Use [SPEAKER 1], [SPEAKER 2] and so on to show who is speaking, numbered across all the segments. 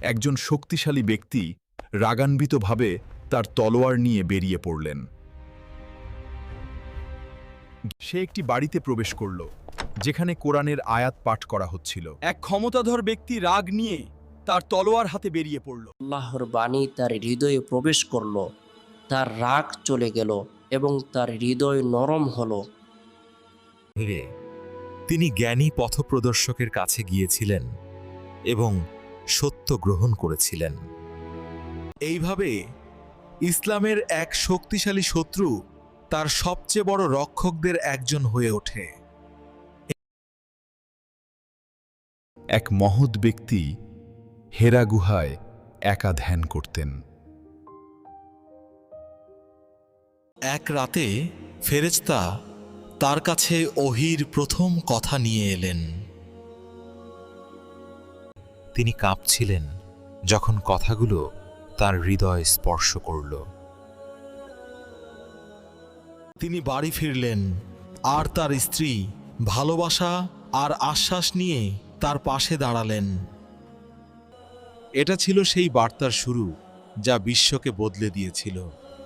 [SPEAKER 1] একজন শক্তিশালী ব্যক্তি রাগান্বিতভাবে তার তলোয়ার নিয়ে বেরিয়ে পড়লেন। সে একটি বাড়িতে প্রবেশ করল, যেখানে কোরআনের আয়াত পাঠ করা হচ্ছিল।
[SPEAKER 2] এক ক্ষমতাধর ব্যক্তি রাগ নিয়ে তার তলোয়ার হাতে বেরিয়ে পড়ল।
[SPEAKER 3] আল্লাহর বাণী তার হৃদয়ে প্রবেশ করল, তার রাগ চলে গেল এবং তার হৃদয় নরম হলো।
[SPEAKER 4] তিনি জ্ঞানী পথপ্রদর্শকের কাছে গিয়েছিলেন এবং সত্য গ্রহণ করেছিলেন। এইভাবে ইসলামের এক শক্তিশালী শত্রু তার সবচেয়ে বড় রক্ষকদের একজন হয়ে ওঠে।
[SPEAKER 1] এক মহৎ ব্যক্তি হেরা গুহায় একা ধ্যান করতেন।
[SPEAKER 4] এক রাতে ফেরেশতা তার কাছে ওহীর প্রথম কথা নিয়ে এলেন। তিনি কাঁপছিলেন যখন কথাগুলো তার হৃদয় স্পর্শ করল। তিনি বাড়ি ফিরলেন, আর তার স্ত্রী ভালোবাসা আর আশ্বাস নিয়ে তার পাশে দাঁড়ালেন। এটা ছিল সেই বার্তার শুরু যা বিশ্বকে বদলে দিয়েছিল।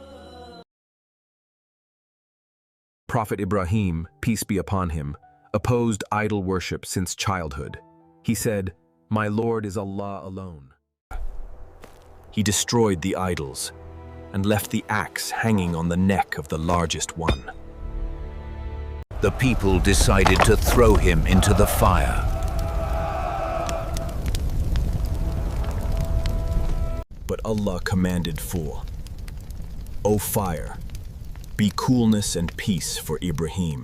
[SPEAKER 5] Prophet Ibrahim, peace be upon him, opposed idol worship since childhood. He said, "My Lord is Allah alone." He destroyed the idols and left the axe hanging on the neck of the largest one.
[SPEAKER 6] The people decided to throw him into the fire.
[SPEAKER 5] But Allah commanded for, "O fire, be coolness and peace for Ibrahim."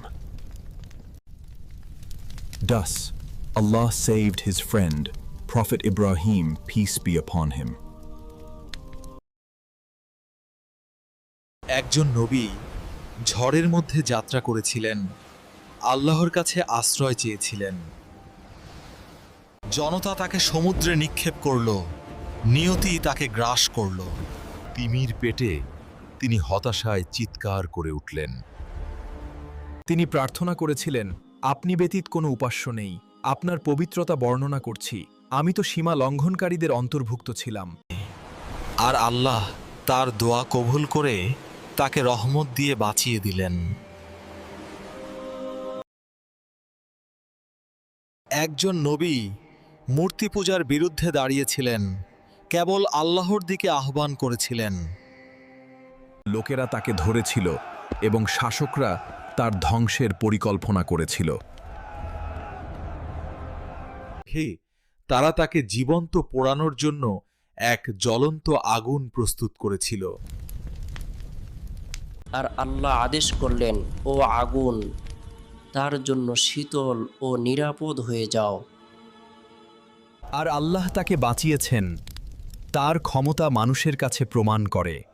[SPEAKER 5] Thus, Allah saved his friend, Prophet Ibrahim, peace be upon him.
[SPEAKER 4] একজন নবী ঝড়ের মধ্যে যাত্রা করেছিলেন, আল্লাহর কাছে আশ্রয় চেয়েছিলেন। জনতা তাকে সমুদ্রে নিক্ষেপ করল, নিয়তি তাকে গ্রাস করল। তিমির পেটে তিনি হতাশায় চিৎকার করে উঠলেন।
[SPEAKER 1] তিনি প্রার্থনা করেছিলেন, আপনি ব্যতীত কোনো উপাস্য নেই, আপনার পবিত্রতা বর্ণনা করছি, আমি তো সীমা লঙ্ঘনকারীদের অন্তর্ভুক্ত ছিলাম।
[SPEAKER 4] আর আল্লাহ তার দোয়া কবুল করে তাকে রহমত দিয়ে বাঁচিয়ে দিলেন। একজন নবী মূর্তি পূজার বিরুদ্ধে দাঁড়িয়েছিলেন, কেবল আল্লাহর দিকে আহ্বান করেছিলেন।
[SPEAKER 1] লোকেরা তাকে ধরেছিল এবং শাসকরা তার ধ্বংসের পরিকল্পনা করেছিল।
[SPEAKER 4] তারা তাকে জীবন্ত পোড়ানোর জন্য এক জ্বলন্ত আগুন প্রস্তুত করেছিল।
[SPEAKER 3] আর আল্লাহ আদেশ করলেন, ও আগুন, তার জন্য শীতল ও নিরাপদ হয়ে যাও।
[SPEAKER 1] আর আল্লাহ তাকে বাঁচিয়েছেন, তার ক্ষমতা মানুষের কাছে প্রমাণ করে।